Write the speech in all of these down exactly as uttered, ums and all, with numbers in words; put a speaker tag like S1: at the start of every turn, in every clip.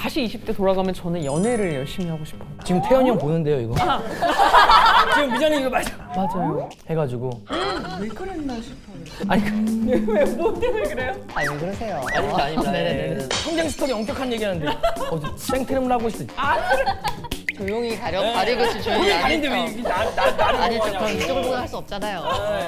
S1: 다시 이십 대 돌아가면 저는 연애를 열심히 하고 싶어요.
S2: 지금 태연이 형 보는데요, 이거.
S1: 아.
S2: 지금 미자님 이거 맞아.
S1: 맞아요.
S2: 해가지고.
S1: 왜 그랬나 싶어요. 아니 왜뭐 때문에 그래요?
S3: 아니 왜 그러세요?
S2: 아닙니다, 아닙니다.
S3: 네네네.
S2: 성장 스토리 엄격한 얘기하는데 어, 생트름을 하고 있어.
S3: 조용히 가려 가리고 있으면 조용히
S2: 그게
S3: 안
S2: 아닌데 왜
S3: 했죠.
S2: 이게 나, 나, 나를
S3: 아니죠.
S2: 보냐고.
S3: 그럼 이쪽을 보고 할 수 없잖아요.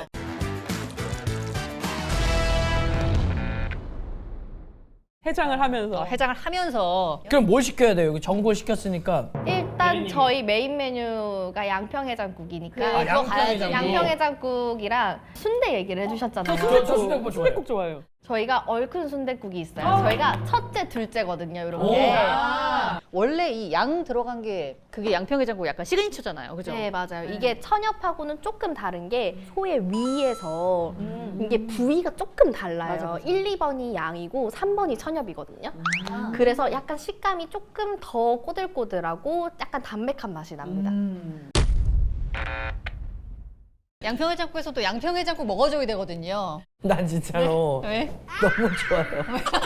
S1: 해장을 하면서
S3: 어, 해장을 하면서
S2: 그럼 뭘 시켜야 돼요? 여기 전골 시켰으니까.
S4: 일단 저희 메인 메뉴가 양평해장국이니까
S3: 그거
S2: 양평
S3: 가야지.
S2: 해장국.
S4: 양평해장국이랑 순대 얘기를 해주셨잖아요.
S2: 저, 저 순대국 좋아해요.
S1: 꼭 좋아요.
S4: 저희가 얼큰 순댓국이 있어요. 저희가 첫째, 둘째거든요,
S2: 오.
S4: 이렇게.
S3: 원래 이 양 들어간 게 그게 양평해장국 약간 시그니처잖아요, 그죠?
S4: 네, 맞아요. 이게 천엽하고는 조금 다른 게 소의 위에서 이게 부위가 조금 달라요.
S3: 맞아, 맞아.
S4: 일, 이 번이 양이고 삼 번이 천엽이거든요. 그래서 약간 식감이 조금 더 꼬들꼬들하고 약간 담백한 맛이 납니다.
S3: 음. 양평해장국에서도 양평해장국 먹어줘야 되거든요.
S2: 난 진짜로
S3: 왜?
S2: 너무 좋아요.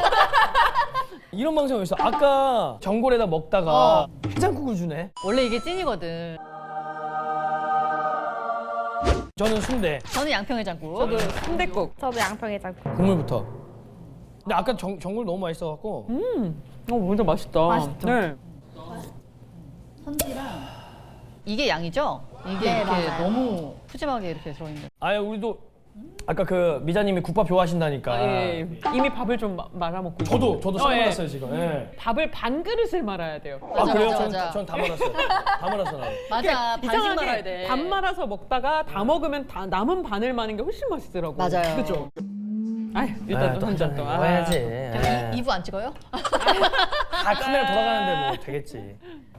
S2: 이런 방송이 있어. 아까 전골에다 먹다가 해장국을 주네.
S3: 원래 이게 찐이거든.
S2: 저는 순대.
S3: 저는 양평해장국.
S1: 저도 순댓국.
S4: 저도 양평해장국.
S2: 국물부터. 근데 아까 정, 전골 너무 맛있어갖고.
S1: 음, 어 완전 맛있다.
S4: 맛있죠?
S1: 네.
S3: 이게 양이죠? 이게
S4: 네,
S3: 이렇게
S4: 맞아요.
S3: 너무 푸짐하게 이렇게 들어있는.
S2: 아예 우리도 아까 그 미자님이 국밥 좋아하신다니까.
S1: 예, 이미 밥을 좀 마- 말아먹고 있어요.
S2: 저도 저도 싹
S1: 어, 예.
S2: 말았어요 지금. 예.
S1: 밥을 반 그릇을 말아야 돼요.
S2: 아
S3: 맞아,
S2: 그래요?
S3: 맞아,
S2: 전,
S3: 맞아.
S2: 전 다 말았어요. 다 말았어 나.
S3: 맞아, 반씩
S1: 이상하게
S3: 말아야 돼.
S1: 반 말아서 먹다가 다 먹으면 다 남은 반을 마는 게 훨씬 맛있더라고.
S3: 맞아요.
S1: 그죠? 아 일단 또 한 잔 또. 아.
S2: 먹어야지. 예.
S3: 이 부 안 찍어요?
S2: 다 카메라 돌아가는데 뭐 되겠지.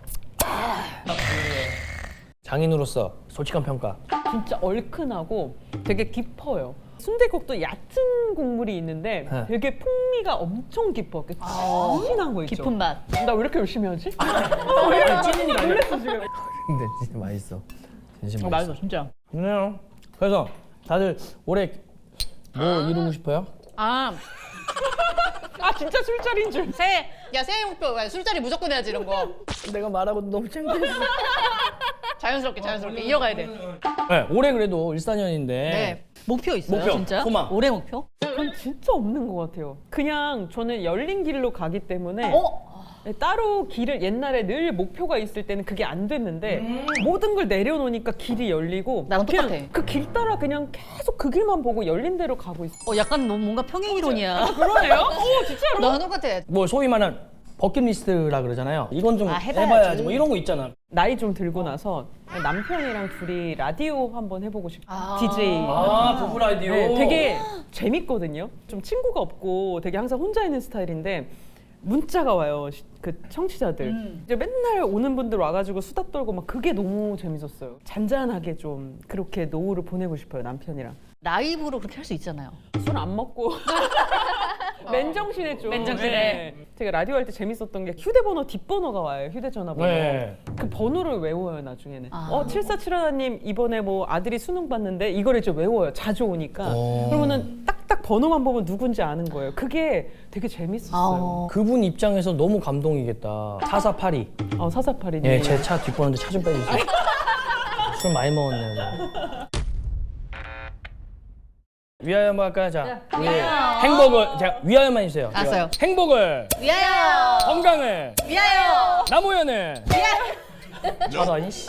S2: 장인으로서 솔직한 평가.
S1: 진짜 얼큰하고 되게 깊어요. 순댓국도 얕은 국물이 있는데
S2: 네.
S1: 되게 풍미가 엄청 깊어. 그 진한 거 있죠.
S3: 깊은 맛.
S1: 나 왜 이렇게 열심히 하지?
S2: 아니 찐이니까.
S1: 놀랬어 지금.
S2: 근데 진짜 맛있어. 진심
S1: 어,
S2: 맛있어.
S1: 맛있어 진짜.
S2: 그래요. 그래서 다들 올해 뭐 이루고 싶어요?
S3: 아,
S1: 아 진짜 술자리인 줄.
S3: 새해, 야 새해 목표, 야, 술자리 무조건 해야지 이런 거.
S2: 내가 말하고 너무 창피했어.
S3: 자연스럽게 자연스럽게 이어가야 돼.
S2: 네, 올해 그래도 일사년인데
S3: 네. 목표 있어요,
S2: 목표,
S3: 진짜?
S2: 소망.
S3: 올해 목표?
S1: 그건 진짜 없는 것 같아요. 그냥 저는 열린 길로 가기 때문에
S3: 어?
S1: 따로 길을 옛날에 늘 목표가 있을 때는 그게 안 됐는데 모든 걸 내려놓으니까 길이 열리고
S3: 나랑
S1: 그냥
S3: 똑같아.
S1: 그 길 따라 그냥 계속 그 길만 보고 열린 대로 가고 있어.
S3: 어, 약간 뭐- 뭔가 평행이론이야.
S1: 그러네요? 오 진짜로?
S3: 나랑 똑같아.
S2: 뭐 소위 말하는 버킷리스트라 그러잖아요. 이건 좀
S3: 아, 해봐야지.
S2: 해봐야지. 뭐 이런 거 있잖아.
S1: 나이 좀 들고 나서 남편이랑 둘이 라디오 한번 해보고 싶어.
S3: 아.
S1: 디제이.
S2: 아 부부 라디오.
S1: 네, 되게 재밌거든요. 좀 친구가 없고 되게 항상 혼자 있는 스타일인데 문자가 와요. 시- 그 청취자들.
S3: 음.
S1: 이제 맨날 오는 분들 와가지고 수다 떨고 막 그게 너무 재밌었어요. 잔잔하게 좀 그렇게 노후를 보내고 싶어요 남편이랑.
S3: 라이브로 그렇게 할 수 있잖아요.
S1: 술 안 먹고 맨정신에 좀.
S3: 맨정신에.
S1: 네. 제가 라디오 할 때 재밌었던 게 휴대번호 뒷번호가 와요. 휴대전화번호.
S2: 네.
S1: 그 번호를 외워요 나중에는.
S3: 아.
S1: 어 칠사칠하님 이번에 뭐 아들이 수능 봤는데 이거를 이제 외워요. 자주 오니까.
S2: 오.
S1: 그러면은 딱딱 번호만 보면 누군지 아는 거예요. 그게 되게 재밌었어요.
S2: 그분 입장에서 너무 감동이겠다. 사사팔이.
S1: 어 사사팔이님.
S2: 예, 제 차 뒷번호인데 차 좀 빼주세요. 술 많이 먹었네요. 저. 위하여 한번 할까요? 자, 우리 행복을 제가 위하여만 해주세요. 제가
S3: 알았어요.
S2: 행복을,
S3: 위하여!
S2: 건강을,
S3: 위하여!
S2: 남우연을. 저런 씨.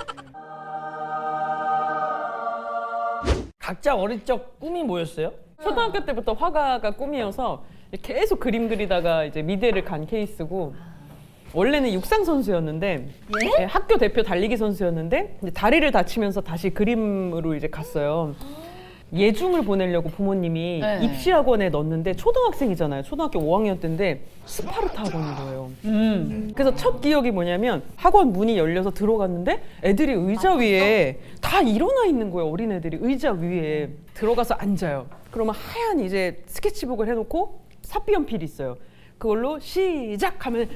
S2: 각자 어릴 적 꿈이 뭐였어요?
S1: 초등학교 때부터 화가가 꿈이어서 계속 그림 그리다가 이제 미대를 간 케이스고 원래는 육상 선수였는데 예, 학교 대표 달리기 선수였는데 이제 다리를 다치면서 다시 그림으로 이제 갔어요. 예중을 보내려고 부모님이
S3: 네.
S1: 입시 학원에 넣었는데 초등학생이잖아요. 초등학교 오 학년 때인데 스파르타 학원인 거예요.
S3: 음.
S1: 그래서 첫 기억이 뭐냐면 학원 문이 열려서 들어갔는데 애들이 의자 위에 다 일어나 있는 거예요. 어린 애들이 의자 위에 들어가서 앉아요. 그러면 하얀 이제 스케치북을 해놓고 사비 연필이 있어요. 그걸로 시작하면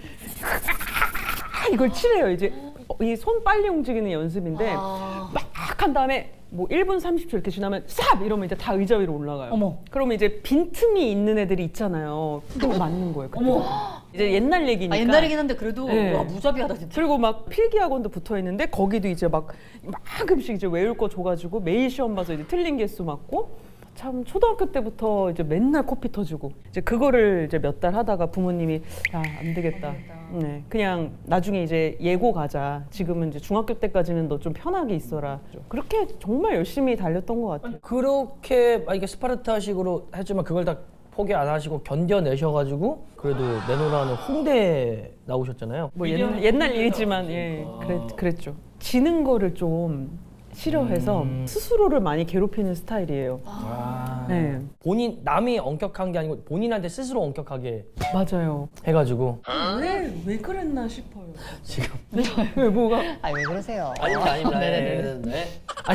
S1: 이걸 칠해요. 이제 이 손 빨리 움직이는 연습인데
S3: 아.
S1: 막 한 다음에 뭐 일 분 삼십 초 이렇게 지나면 삽 이러면 이제 다 의자 위로 올라가요.
S3: 어머.
S1: 그러면 이제 빈틈이 있는 애들이 있잖아요. 그거 맞는 거예요. 그때.
S3: 어머.
S1: 이제 옛날 얘기니까.
S3: 아, 옛날이긴 한데 그래도
S1: 네.
S3: 와 무자비하다 진짜.
S1: 그리고 막 필기학원도 붙어 있는데 거기도 이제 막 이만큼씩 이제 외울 거 줘가지고 매일 시험 봐서 이제 틀린 개수 맞고 참 초등학교 때부터 이제 맨날 코피 터지고 이제 그거를 이제 몇 달 하다가 부모님이 야 안 되겠다. 네, 그냥 나중에 이제 예고 가자. 지금은 이제 중학교 때까지는 너 좀 편하게 있어라. 그렇게 정말 열심히 달렸던 것 같아요.
S2: 그렇게 만약에 스파르타식으로 했지만 그걸 다 포기 안 하시고 견뎌내셔가지고 그래도 내노라는 홍대 나오셨잖아요.
S1: 뭐 옛날, 옛날 일이지만 예, 그랬, 그랬죠. 지는 거를 좀 싫어해서
S2: 음.
S1: 스스로를 많이 괴롭히는 스타일이에요.
S2: 아.
S1: 네,
S2: 본인 남이 엄격한 게 아니고 본인한테 스스로 엄격하게
S1: 맞아요.
S2: 해가지고
S1: 왜, 왜 그랬나 싶어요.
S2: 지금
S1: 왜 뭐가?
S3: 아 왜 그러세요?
S2: 아닙니다 아닙니다.
S3: 네네네.
S2: 네, 네.
S1: 아니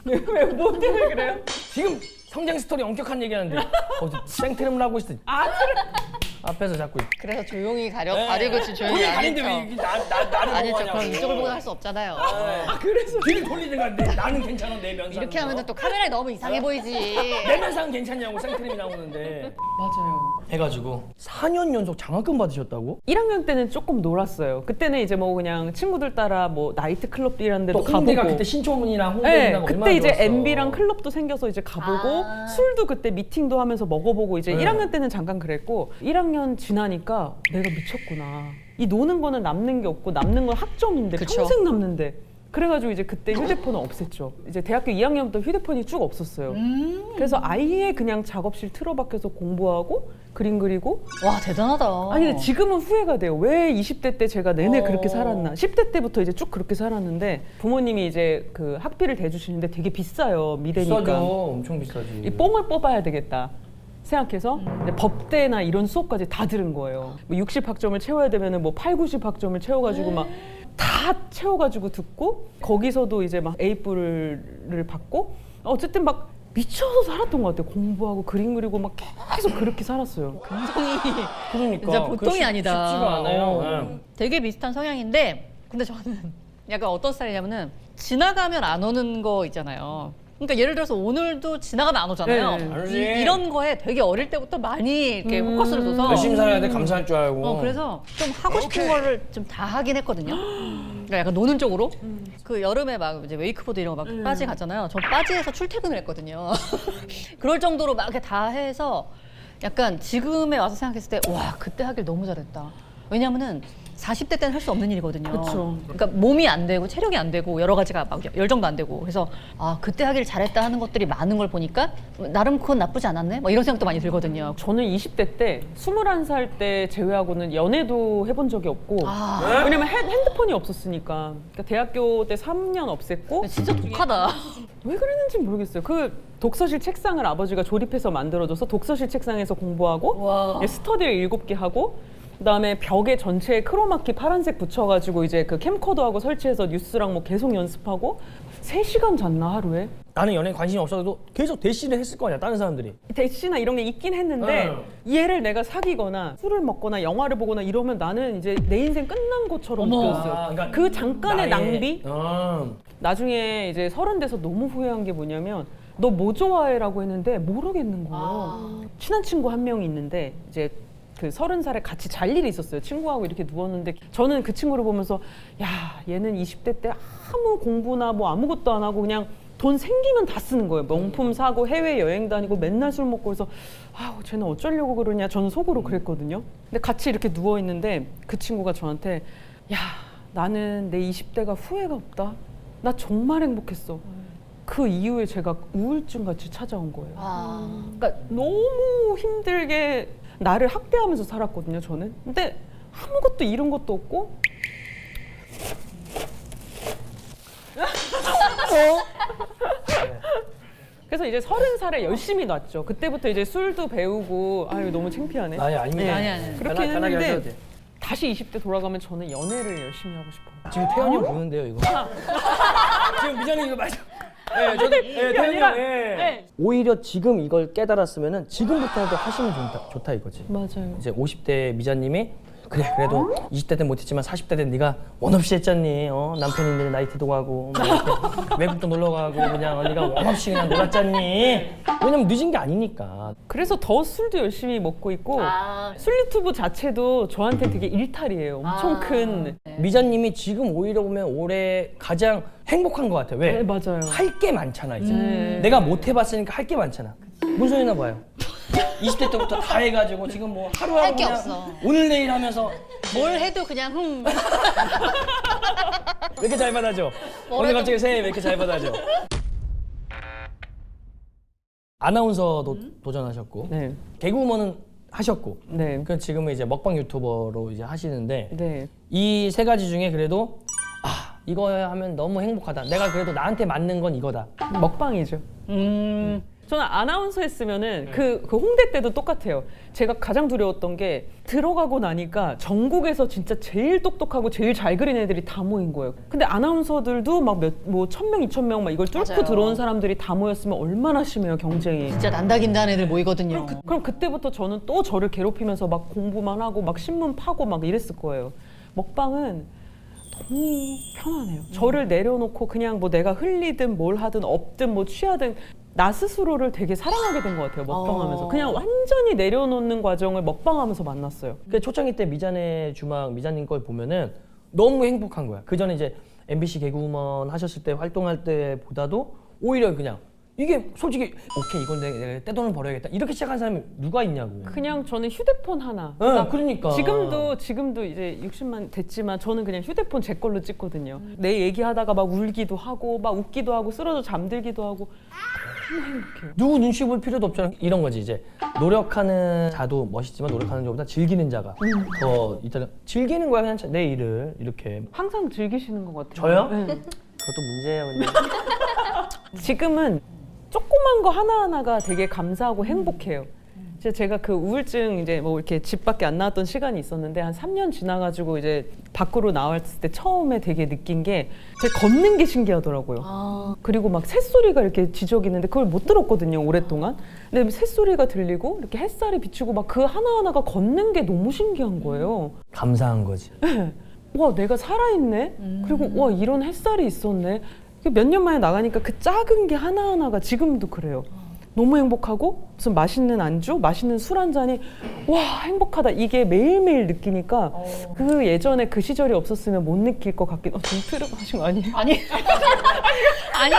S1: 왜뭐 때문에 그래요?
S2: 지금 성장 스토리 엄격한 얘기하는데 거기서 생트름을 하고 있어.
S1: 아
S2: 앞에서 자꾸
S3: 그래서 조용히 가려
S2: 네.
S3: 가리고 지금 조용히
S2: 본인
S3: 안
S2: 가린데 왜
S3: 했죠.
S2: 이게 나, 나, 나를
S3: 아니죠.
S2: 보호하냐고.
S3: 그럼 이쪽을 보고 할 수 없잖아요.
S2: 아 그래서 뒤를 돌리든가 내, 나는 괜찮아 내 면상
S3: 이렇게 하면 또 카메라에 너무 이상해 보이지.
S2: 내 면상 괜찮냐고 생트림이 나오는데
S1: 맞아요.
S2: 해가지고 사 년 연속 장학금 받으셨다고?
S1: 일 학년 때는 조금 놀았어요. 그때는 이제 뭐 그냥 친구들 따라 뭐 나이트 클럽 이런 데도
S2: 또 홍대가
S1: 가보고.
S2: 그때 신촌이랑
S1: 네,
S2: 홍대랑
S1: 그때 이제 엠비랑 클럽도 생겨서 이제 가보고
S3: 아.
S1: 술도 그때 미팅도 하면서 먹어보고 이제
S2: 네.
S1: 일 학년 때는 잠깐 그랬고 일 학년 지나니까 내가 미쳤구나. 이 노는 거는 남는 게 없고 남는 건 학점인데
S3: 그쵸.
S1: 평생 남는데. 그래가지고 이제 그때 휴대폰을 없앴죠. 이제 대학교 이 학년부터 휴대폰이 쭉 없었어요.
S3: 음.
S1: 그래서 아예 그냥 작업실 틀어박혀서 공부하고 그림 그리고.
S3: 와 대단하다.
S1: 아니 근데 지금은 후회가 돼요. 왜 이십 대 때 제가 내내
S3: 어.
S1: 그렇게 살았나. 십 대 때부터 이제 쭉 그렇게 살았는데 부모님이 이제 그 학비를 대주시는데 되게 비싸요. 미대니까.
S2: 비싸죠. 엄청 비싸지.
S1: 이 뽕을 뽑아야 되겠다 생각해서 이제 법대나 이런 수업까지 다 들은 거예요. 뭐 육십 학점을 채워야 되면은 뭐 팔, 구십 학점을 채워가지고 막 다 채워가지고 듣고 거기서도 이제 막 에이뿔을 받고 어쨌든 막 미쳐서 살았던 것 같아요. 공부하고 그림 그리고 막 계속 그렇게 살았어요.
S3: 감성이
S2: 그러니까
S3: 진짜 보통이
S2: 그거 쉽-
S3: 아니다.
S2: 쉽지가 않아요.
S3: 어.
S2: 네.
S3: 되게 비슷한 성향인데 근데 저는 약간 어떤 스타일이냐면은 지나가면 안 오는 거 있잖아요. 그러니까 예를 들어서 오늘도 지나가면 안 오잖아요.
S1: 네.
S2: 안 오지.
S3: 이, 이런 거에 되게 어릴 때부터 많이 이렇게
S1: 음.
S3: 포커스를 둬서
S2: 열심히 살아야 돼 감사할 줄 알고.
S3: 어, 그래서 좀 하고 싶은 거를 좀 다 하긴 했거든요. 그러니까 약간 노는 쪽으로. 그 여름에 막 이제 웨이크보드 이런 거 막 빠지 갔잖아요. 저 빠지에서 출퇴근을 했거든요. 그럴 정도로 막 이렇게 다 해서 약간 지금에 와서 생각했을 때 와 그때 하길 너무 잘했다. 왜냐면은 사십 대 때는 할 수 없는 일이거든요.
S1: 그쵸.
S3: 그러니까 몸이 안 되고 체력이 안 되고 여러 가지가 막 열정도 안 되고 그래서 아 그때 하길 잘했다 하는 것들이 많은 걸 보니까 나름 그건 나쁘지 않았네. 뭐 이런 생각도 많이 들거든요.
S1: 저는 이십 대 때 스물한 살 때 제외하고는 연애도 해본 적이 없고
S3: 아
S1: 왜냐면 핸- 핸드폰이 없었으니까. 그러니까 대학교 때 삼 년 없앴고
S3: 진짜 독하다.
S1: 왜 그랬는지 모르겠어요. 그 독서실 책상을 아버지가 조립해서 만들어줘서 독서실 책상에서 공부하고
S3: 와.
S1: 예, 스터디를 일곱 개 하고 그다음에 벽에 전체에 크로마키 파란색 붙여가지고 이제 그 캠코더하고 설치해서 뉴스랑 뭐 계속 연습하고 세 시간 잤나 하루에?
S2: 나는 연애에 관심이 없어도 계속 대시를 했을 거 아니야 다른 사람들이.
S1: 대시나 이런 게 있긴 했는데
S2: 응.
S1: 얘를 내가 사귀거나 술을 먹거나 영화를 보거나 이러면 나는 이제 내 인생 끝난 것처럼
S3: 어머.
S1: 느꼈어요.
S2: 아, 그러니까
S1: 그 잠깐의
S2: 나의-
S1: 낭비?
S2: 어.
S1: 나중에 이제 서른 돼서 너무 후회한 게 뭐냐면 너 뭐 좋아해라고 했는데 모르겠는 거예요.
S3: 아.
S1: 친한 친구 한 명이 있는데 이제 그 서른 살에 같이 잘 일이 있었어요. 친구하고 이렇게 누웠는데 저는 그 친구를 보면서 야 얘는 이십 대 때 아무 공부나 뭐 아무것도 안 하고 그냥 돈 생기면 다 쓰는 거예요. 명품 사고 해외 여행 다니고 맨날 술 먹고 그래서 아우 쟤는 어쩌려고 그러냐 저는 속으로 그랬거든요. 근데 같이 이렇게 누워 있는데 그 친구가 저한테 야 나는 내 이십 대가 후회가 없다. 나 정말 행복했어. 그 이후에 제가 우울증 같이 찾아온 거예요.
S3: 아.
S1: 그러니까 너무 힘들게 나를 학대하면서 살았거든요, 저는. 근데 아무것도 잃은 것도 없고. 그래서 이제 서른 살에 열심히 놨죠. 그때부터 이제 술도 배우고 아유 너무 창피하네.
S2: 아니 아닙니다.
S3: 아니, 아니.
S1: 그렇게
S2: 편하- 편하게 하셔도
S1: 했는데
S2: 돼.
S1: 다시 이십 대 돌아가면 저는 연애를 열심히 하고 싶어요.
S2: 지금 태연이 형 보는데요 이거. 지금 미정이 이거 맞아. 네, 저도 네, 태연이
S1: 아니라-
S2: 형. 예.
S1: 네.
S2: 오히려 지금 이걸 깨달았으면은 지금부터라도 하시면 좋다, 좋다 이거지.
S1: 맞아요.
S2: 이제 오십 대 미자님이 그래 그래도 이십 대 때 못했지만 사십 대 때 네가 원 없이 했잖니. 어? 남편 있는데 나이트도 가고 뭐 이렇게 외국도 놀러 가고 그냥 언니가 원 없이 그냥 놀았잖니. 왜냐면 늦은 게 아니니까.
S1: 그래서 더 술도 열심히 먹고 있고
S3: 아.
S1: 술 유튜브 자체도 저한테 되게 일탈이에요. 엄청
S3: 아.
S1: 큰.
S2: 미자님이 지금 오히려 보면 올해 가장 행복한 것 같아. 왜?
S1: 네, 맞아요.
S2: 할 게 많잖아 이제.
S1: 음.
S2: 내가 못 해봤으니까 할 게 많잖아. 무슨 소리나 봐요. 이십 대 때부터 다 해가지고 지금 뭐 하루하루
S3: 할게
S2: 그냥
S3: 없어.
S2: 오늘 내일 하면서
S3: 뭘 해도 그냥 흠.
S2: 왜 이렇게 잘 받아줘? 오늘 갑자기 새해 왜 이렇게 잘 받아줘? 아나운서도 도전하셨고
S1: 네.
S2: 개그우먼은 하셨고
S1: 네.
S2: 그 지금은 이제 먹방 유튜버로 이제 하시는데
S1: 네.
S2: 이 세 가지 중에 그래도 아 이거 하면 너무 행복하다. 내가 그래도 나한테 맞는 건 이거다.
S1: 먹방이죠.
S3: 음.
S1: 저는 아나운서 했으면은 그, 그 홍대 때도 똑같아요. 제가 가장 두려웠던 게 들어가고 나니까 전국에서 진짜 제일 똑똑하고 제일 잘 그린 애들이 다 모인 거예요. 근데 아나운서들도 막 몇 뭐 천 명, 이천 명 막 이걸 뚫고
S3: 맞아요.
S1: 들어온 사람들이 다 모였으면 얼마나 심해요, 경쟁이.
S3: 진짜 난다긴다는 애들 모이거든요.
S1: 그, 그럼 그때부터 저는 또 저를 괴롭히면서 막 공부만 하고 막 신문 파고 막 이랬을 거예요. 먹방은 너무 편하네요. 저를 내려놓고 그냥 뭐 내가 흘리든 뭘 하든 업든 뭐 취하든 나 스스로를 되게 사랑하게 된 것 같아요. 먹방하면서.
S3: 어.
S1: 그냥 완전히 내려놓는 과정을 먹방하면서 만났어요.
S2: 그 초창기 때 미자네 주막 미자님 걸 보면은 너무 행복한 거야. 그 전에 이제 엠비씨 개그우먼 하셨을 때 활동할 때보다도 오히려 그냥 이게 솔직히 오케이 이건 내가, 내가 떼돈을 벌어야겠다 이렇게 시작한 사람이 누가 있냐고.
S1: 그냥 저는 휴대폰 하나.
S2: 응, 그러니까.
S1: 지금도 지금도 이제 육십만 됐지만 저는 그냥 휴대폰 제 걸로 찍거든요. 내 얘기하다가 막 울기도 하고 막 웃기도 하고 쓰러져 잠들기도 하고 너무 행복해요.
S2: 누구 눈치 볼 필요도 없잖아. 이런 거지 이제 노력하는 자도 멋있지만 노력하는 자보다 즐기는 자가 더 있다. 즐기는 거야 그냥 내 일을 이렇게.
S1: 항상 즐기시는 것 같아요.
S2: 저요?
S1: 네.
S2: 그것도 문제예요. 근데.
S1: 지금은 조그만 거 하나하나가 되게 감사하고 행복해요. 이제 제가 그 우울증 이제 뭐 이렇게 집 밖에 안 나왔던 시간이 있었는데 한 삼 년 지나가지고 이제 밖으로 나왔을 때 처음에 되게 느낀 게 제가 걷는 게 신기하더라고요.
S3: 아.
S1: 그리고 막 새소리가 이렇게 지저귀는데 그걸 못 들었거든요, 오랫동안. 근데 새소리가 들리고 이렇게 햇살이 비추고 막 그 하나하나가 걷는 게 너무 신기한 거예요.
S2: 감사한 거지.
S1: 와, 내가 살아있네? 그리고 와, 이런 햇살이 있었네? 몇 년 만에 나가니까 그 작은 게 하나하나가 지금도 그래요. 너무 행복하고 무슨 맛있는 안주, 맛있는 술 한 잔이 와 행복하다 이게 매일매일 느끼니까
S3: 어.
S1: 그 예전에 그 시절이 없었으면 못 느낄 것 같긴. 어, 좀 트름 하신 거 아니에요?
S3: 아니. 아니.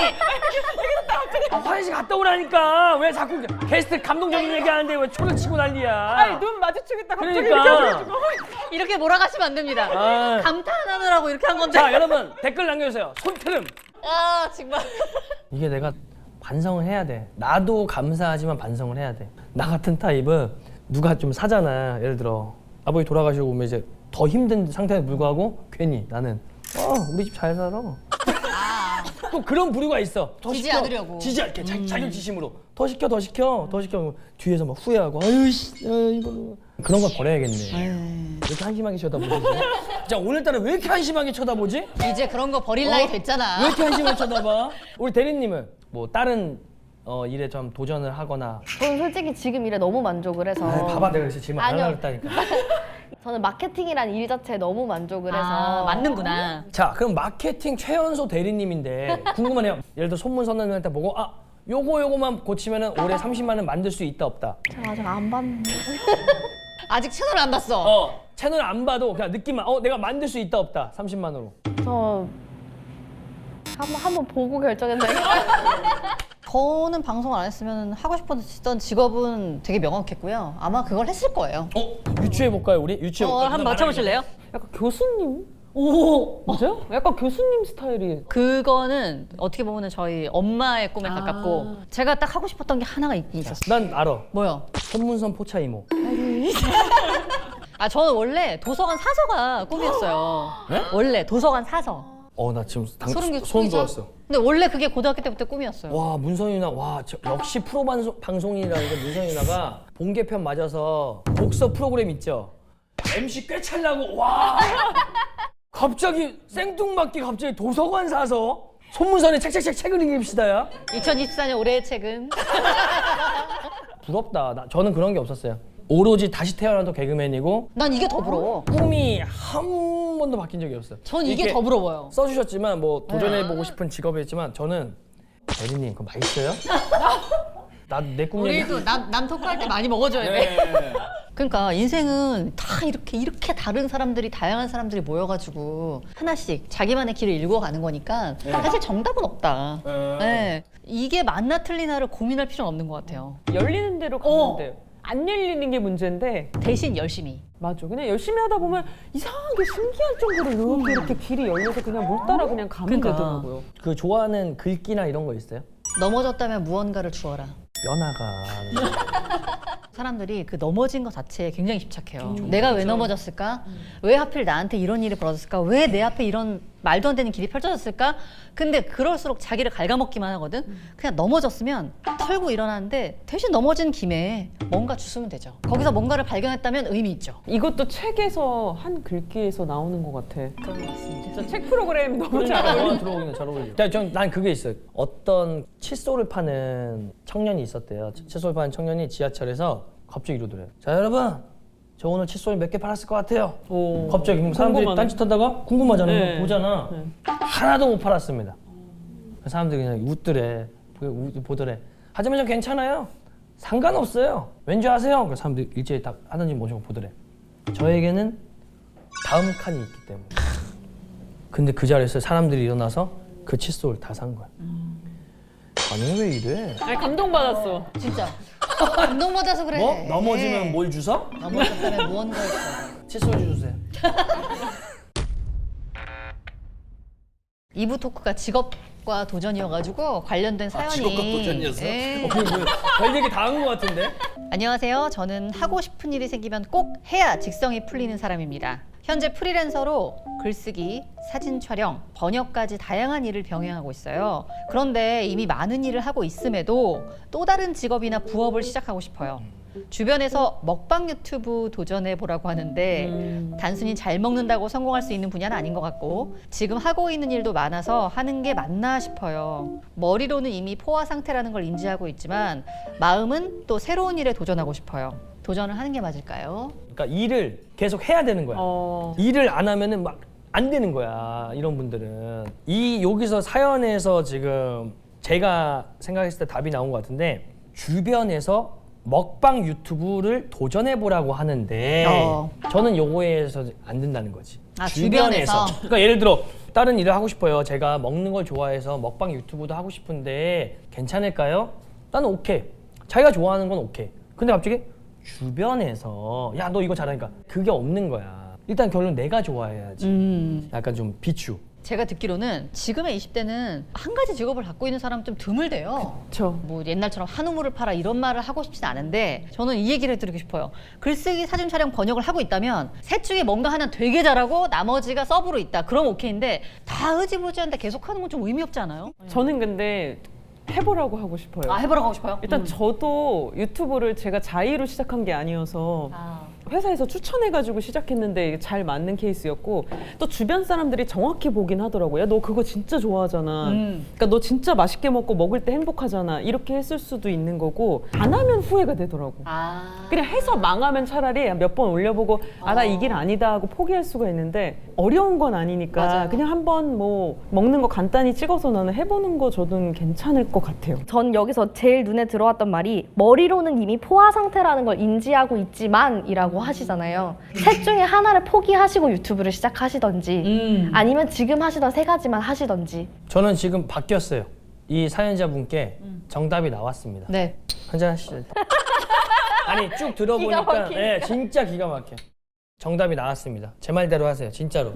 S2: 아, 화장실 갔다 오라니까 왜 자꾸 게스트 감동적인 얘기하는데 왜 초를 치고 난리야.
S1: 아니 눈 마주치겠다 갑자기
S2: 그러니까.
S1: 이렇게 해가지고.
S3: 이렇게 몰아가시면 안 됩니다.
S2: 아.
S3: 감탄하느라고 이렇게 한 건데.
S2: 자 여러분 댓글 남겨주세요. 손트름.
S3: 아 정말.
S2: 이게 내가 반성을 해야 돼. 나도 감사하지만 반성을 해야 돼. 나 같은 타입은 누가 좀 사잖아. 예를 들어 아버지 돌아가시고 오면 이제 더 힘든 상태에 불구하고 괜히 나는 어 우리 집 잘 살아. 또 그런 부류가 있어. 더
S3: 지지
S2: 시켜.
S3: 않으려고.
S2: 지지 않게 자, 자격지심으로 더 시켜 더 시켜 더 시켜 뒤에서 막 후회하고 아유 씨 아, 이거 그런 거 버려야겠네. 왜 이렇게 한심하게 쳐다보지? 자 오늘따라 왜 이렇게 한심하게 쳐다보지?
S3: 이제 그런 거 버릴 나이
S2: 어?
S3: 됐잖아.
S2: 왜 이렇게 한심하게 쳐다봐? 우리 대리님은 뭐 다른 어, 일에 좀 도전을 하거나.
S4: 저는 솔직히 지금 일에 너무 만족을 해서
S2: 아, 봐봐 내가 그래서 질문 안
S4: 아니요.
S2: 하려고 했다니까.
S4: 저는 마케팅이라는 일 자체에 너무 만족을 해서
S3: 아, 맞는구나.
S2: 자 그럼 마케팅 최연소 대리님인데 궁금하네요. 예를 들어 손문 선언할 때 보고 아 요거 요거만 고치면은 올해 삼십만 원 만들 수 있다 없다.
S4: 제가 아직 안 봤는데
S3: 아직 채널 안 봤어.
S2: 어 채널 안 봐도 그냥 느낌만 어 내가 만들 수 있다 없다 삼십만 원으로.
S4: 저 한번 한번 보고 결정했는데
S3: 저는 방송을 안 했으면 하고 싶었던 직업은 되게 명확했고요. 아마 그걸 했을 거예요.
S2: 어 유추해 볼까요 우리 유추해.
S3: 어, 한번 맞춰보실래요?
S1: 약간 교수님?
S3: 오.
S1: 맞아요? 약간 교수님 스타일이.
S3: 그거는 어떻게 보면 저희 엄마의 꿈에
S1: 아.
S3: 가깝고 제가 딱 하고 싶었던 게 하나가 있긴 있었어요.
S2: 난 알아.
S3: 뭐요?
S2: 손문선 포차 이모.
S3: 아 저는 원래 도서관 사서가 꿈이었어요.
S2: 네?
S3: 원래 도서관 사서.
S2: 어 나 지금 당,
S3: 소름 끼-
S2: 소름
S3: 끼쳐?
S2: 돋았어.
S3: 근데 원래 그게 고등학교 때부터 꿈이었어요.
S2: 와 문선이 누나 와 저, 역시 프로 방송, 방송이라는 게 문선이 누나가 본개편 맞아서 독서 프로그램 있죠. 엠씨 꽤 찰라고 와 갑자기 생뚱맞게 갑자기 도서관 사서 손문선에 책책책 책을 읽읍시다야.
S3: 이천이십사 년 올해의 책은
S2: 부럽다. 나, 저는 그런 게 없었어요. 오로지 다시 태어나도 개그맨이고
S3: 난 이게 더 부러워.
S2: 꿈이 한 번도 바뀐 적이 없어요.
S3: 전 이게
S2: 이렇게
S3: 더 부러워요.
S2: 써주셨지만 뭐 도전해보고 싶은 직업이었지만 저는 대리님 그거 맛있어요? 나 내 꿈 얘기.
S3: 우리도 남, 남 토크할 때 많이 먹어줘야 돼.
S2: 네.
S3: 그러니까 인생은 다 이렇게 이렇게 다른 사람들이 다양한 사람들이 모여가지고 하나씩 자기만의 길을 읽어가는 거니까 사실 정답은 없다.
S2: 네.
S3: 네. 이게 맞나 틀리나를 고민할 필요는 없는 것 같아요.
S1: 열리는 대로 가면 돼요. 안 열리는 게 문제인데
S3: 대신 열심히.
S1: 맞아. 그냥 열심히 하다 보면 이상하게 신기할 정도로 이렇게 이렇게 길이 열려서 그냥 물 따라 그냥 가면
S3: 그러니까.
S1: 되더라고요.
S2: 그 좋아하는 글귀나 이런 거 있어요?
S3: 넘어졌다면 무언가를 주어라.
S2: 뼈나가.
S3: 사람들이 그 넘어진 것 자체에 굉장히 집착해요. 내가 왜 넘어졌을까? 왜 하필 나한테 이런 일이 벌어졌을까? 왜 내 앞에 이런 말도 안 되는 길이 펼쳐졌을까? 근데 그럴수록 자기를 갉아먹기만 하거든. 그냥 넘어졌으면 털고 일어나는데 대신 넘어진 김에 뭔가 주스면 되죠. 거기서 뭔가를 발견했다면 의미 있죠.
S1: 이것도 책에서 한 글귀에서 나오는 것 같아.
S3: 그런 것 같습니다.
S1: 진짜 책 프로그램 너무 잘
S2: 잘
S1: 어울려.
S2: 어울려. 들어오기는 잘 어울려. 야, 전, 난 그게 있어요. 어떤 칫솔을 파는 청년이 있었대요. 칫솔 파는 청년이 지하철에서 갑자기 이러더래요. 자, 여러분. 저 오늘 칫솔 몇 개 팔았을 것 같아요.
S1: 오.
S2: 갑자기 그럼 사람들이
S1: 궁금하네.
S2: 딴짓하다가 궁금하잖아요.
S1: 네.
S2: 보잖아.
S1: 네.
S2: 하나도 못 팔았습니다. 사람들이 그냥 웃더래. 보- 보더래. 하지만 저 괜찮아요. 상관없어요. 왠지 아세요? 그 사람들이 일제히 다 하나님 모시고 보더래. 저에게는 다음 칸이 있기 때문에. 근데 그 자리에서 사람들이 일어나서 그 칫솔을 다 산 거야. 아니 왜 이래?
S1: 아니 감동받았어.
S3: 진짜. 감동받아서 그래.
S2: 뭐? 넘어지면 뭘 주서?
S3: 넘어졌다면 무언가를 주어라.
S2: 칫솔 주세요.
S3: 이 부 토크가 직업과 도전이어가지고 관련된 사연이.
S2: 직업과 도전이었어?
S3: 네.
S2: 어, 그게 뭐야? 별 얘기 다 한 것 같은데?
S3: 안녕하세요. 저는 하고 싶은 일이 생기면 꼭 해야 직성이 풀리는 사람입니다. 현재 프리랜서로 글쓰기, 사진 촬영, 번역까지 다양한 일을 병행하고 있어요. 그런데 이미 많은 일을 하고 있음에도 또 다른 직업이나 부업을 시작하고 싶어요. 주변에서 먹방 유튜브 도전해 보라고 하는데
S1: 음.
S3: 단순히 잘 먹는다고 성공할 수 있는 분야는 아닌 것 같고 지금 하고 있는 일도 많아서 하는 게 맞나 싶어요. 머리로는 이미 포화 상태라는 걸 인지하고 있지만 마음은 또 새로운 일에 도전하고 싶어요. 도전을 하는 게 맞을까요?
S2: 그러니까 일을 계속 해야 되는 거야.
S1: 어.
S2: 일을 안 하면은 막 안 되는 거야. 이런 분들은 이 여기서 사연에서 지금 제가 생각했을 때 답이 나온 것 같은데 주변에서 먹방 유튜브를 도전해 보라고 하는데
S3: 어.
S2: 저는 요거에서 안 된다는 거지.
S3: 아, 주변에서?
S2: 그러니까 예를 들어 다른 일을 하고 싶어요. 제가 먹는 걸 좋아해서 먹방 유튜브도 하고 싶은데 괜찮을까요? 나는 오케이. 자기가 좋아하는 건 오케이. 근데 갑자기 주변에서 야 너 이거 잘하니까 그게 없는 거야. 일단 결론 내가 좋아해야지.
S3: 음.
S2: 약간 좀 비추.
S3: 제가 듣기로는 지금의 이십 대는 한 가지 직업을 갖고 있는 사람 좀 드물대요.
S1: 그렇죠.
S3: 뭐 옛날처럼 한우물을 팔아 이런 말을 하고 싶진 않은데 저는 이 얘기를 해드리고 싶어요. 글쓰기, 사진 촬영, 번역을 하고 있다면 셋 중에 뭔가 하나 되게 잘하고 나머지가 서브로 있다. 그럼 오케이인데 다 흐지부지한데 계속하는 건 좀 의미 없지 않아요?
S1: 저는 근데 해보라고 하고 싶어요.
S3: 아 해보라고 하고 싶어요?
S1: 일단
S3: 음.
S1: 저도 유튜브를 제가 자의로 시작한 게 아니어서
S3: 아.
S1: 회사에서 추천해가지고 시작했는데 이게 잘 맞는 케이스였고 또 주변 사람들이 정확히 보긴 하더라고요. 야, 너 그거 진짜 좋아하잖아.
S3: 음.
S1: 그러니까 너 진짜 맛있게 먹고 먹을 때 행복하잖아. 이렇게 했을 수도 있는 거고 안 하면 후회가 되더라고.
S3: 아.
S1: 그냥 해서 망하면 차라리 몇 번 올려보고 아 나 이 길 아니다 하고 포기할 수가 있는데 어려운 건 아니니까
S3: 맞아요.
S1: 그냥 한번 뭐 먹는 거 간단히 찍어서 나는 해보는 거 저는 괜찮을 것 같아요.
S4: 전 여기서 제일 눈에 들어왔던 말이 머리로는 이미 포화 상태라는 걸 인지하고 있지만이라고 하시잖아요. 셋 중에 하나를 포기하시고 유튜브를 시작하시던지
S3: 음.
S4: 아니면 지금 하시던 세 가지만 하시던지.
S2: 저는 지금 바뀌었어요. 이 사연자분께 정답이 나왔습니다.
S3: 네.
S2: 한잔 하시죠. 아니 쭉
S4: 기가
S2: 들어보니까
S4: 막히네.
S2: 네, 진짜 기가 막혀. 정답이 나왔습니다. 제 말대로 하세요. 진짜로.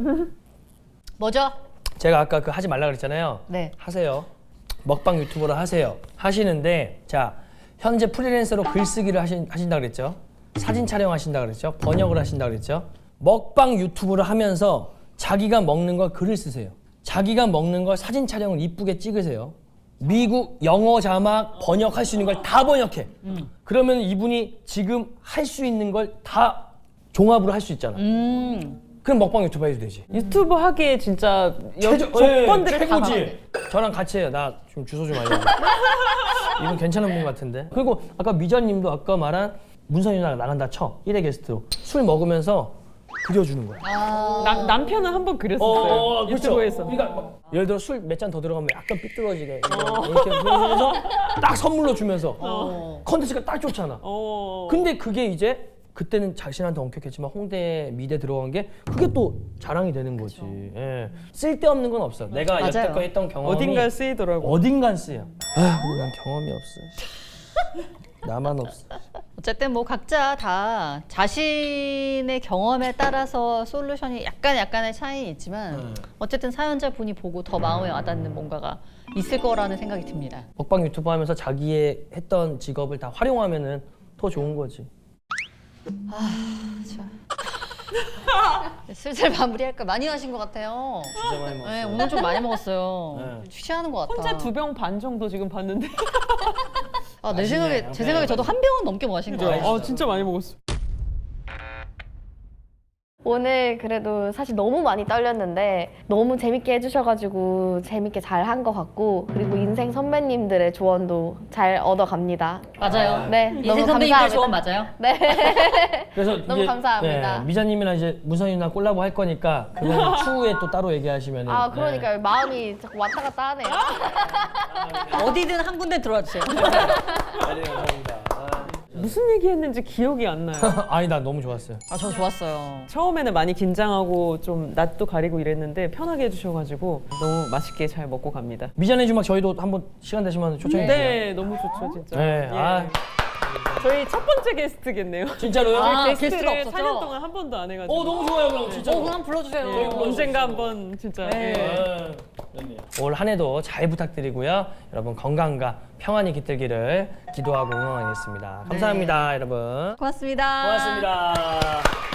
S3: 뭐죠?
S2: 제가 아까 그 하지 말라 그랬잖아요.
S3: 네.
S2: 하세요. 먹방 유튜버를 하세요. 하시는데 자 현재 프리랜서로 글쓰기를 하신, 하신다 그랬죠. 사진 촬영하신다 그랬죠. 번역을 하신다 그랬죠. 먹방 유튜브를 하면서 자기가 먹는 걸 글을 쓰세요. 자기가 먹는 걸 사진 촬영을 이쁘게 찍으세요. 미국 영어 자막 번역할 수 있는 걸 다 번역해.
S3: 음.
S2: 그러면 이분이 지금 할 수 있는 걸 다 종합으로 할 수 있잖아.
S3: 음.
S2: 그럼 먹방 유튜브 해도 되지.
S1: 유튜브 하기에 진짜 여,
S2: 최저-
S1: 조건들을
S2: 예,
S1: 다
S2: 최고지. 저랑 같이 해요. 나 좀 주소 좀 알려줘. 이분 괜찮은 분 같은데. 그리고 아까 미자님도 아까 말한 문선이 누나가 나간다 쳐 일 회 게스트로 술 먹으면서 그려주는 거야.
S3: 아.
S1: 남, 남편은 한 번 그렸었어요.
S2: 어, 그렇죠.
S1: 유튜브에서.
S2: 그러니까 막 예를 들어 술 몇 잔 더 들어가면 약간 삐뚤어지게 이렇게 보면서 딱 선물로 주면서
S3: 어.
S2: 컨텐츠가 딱 좋잖아.
S1: 어.
S2: 근데 그게 이제 그때는 자신한테 엄격했지만 홍대 미대 들어간 게 그게 또 자랑이 되는 거지. 예. 쓸데없는 건 없어. 내가
S3: 맞아요.
S2: 여태껏 했던 경험이
S1: 어딘가에 쓰이더라고.
S2: 어딘간 쓰여. 아, 난 경험이 없어. 나만 없어.
S3: 어쨌든 뭐 각자 다 자신의 경험에 따라서 솔루션이 약간 약간의 차이는 있지만
S2: 음.
S3: 어쨌든 사연자 분이 보고 더 마음에 와닿는 뭔가가 있을 거라는 생각이 듭니다.
S2: 먹방 유튜브 하면서 자기의 했던 직업을 다 활용하면은 더 좋은 거지.
S3: 슬슬 마무리할까? 많이 마신 것 같아요.
S2: 진짜 많이 먹었어.
S3: 네, 오늘 좀 많이 먹었어요.
S2: 네.
S3: 취하는 것 같아.
S1: 혼자 두 병 반 정도 지금 봤는데.
S3: 아, 내
S2: 맛있네.
S3: 생각에 제 생각에 저도 한 병은 넘게 마신 거 같아요.
S1: 아 진짜 많이 먹었어.
S4: 오늘 그래도 사실 너무 많이 떨렸는데 너무 재밌게 해주셔가지고 재밌게 잘 한 것 같고 그리고 인생 선배님들의 조언도 잘 얻어갑니다.
S3: 맞아요.
S4: 네,
S3: 인생
S4: 너무
S3: 선배님들
S4: 감사합니다.
S3: 조언 맞아요.
S4: 네.
S2: 그래서
S4: 너무 감사합니다.
S2: 네, 미자님이랑 이제 문선이 누나 콜라보 할 거니까 그거는 추후에 또 따로 얘기하시면은.
S4: 아 그러니까요. 마음이 자꾸 왔다 갔다 하네요.
S3: 어디든 한 군데 들어와 주세요.
S2: 네, 감사합니다.
S1: 무슨 얘기했는지 기억이 안 나요.
S2: 아니 나 너무 좋았어요.
S3: 아, 저 좋았어요.
S1: 처음에는 많이 긴장하고 좀 낯도 가리고 이랬는데 편하게 해주셔가지고 너무 맛있게 잘 먹고 갑니다.
S2: 미자네 주막 저희도 한번 시간 되시면 초청해 주세요.
S1: 네, 너무 좋죠 진짜.
S2: 네,
S1: 예.
S2: 아.
S1: 저희 첫 번째 게스트겠네요.
S2: 진짜로요?
S3: 아,
S1: 저희
S3: 게스트가
S1: 게스트를
S3: 없었죠?
S1: 사 년 동안 한 번도 안 해가지고.
S2: 어 너무 좋아요 그럼 진짜.
S3: 어, 그럼 불러주세요.
S1: 예, 언젠가 한번 진짜.
S3: 네.
S1: 예.
S2: 올 한 해도 잘 부탁드리고요. 여러분 건강과 평안이 깃들기를 기도하고 응원하겠습니다. 감사합니다, 여러분.
S3: 고맙습니다.
S2: 고맙습니다.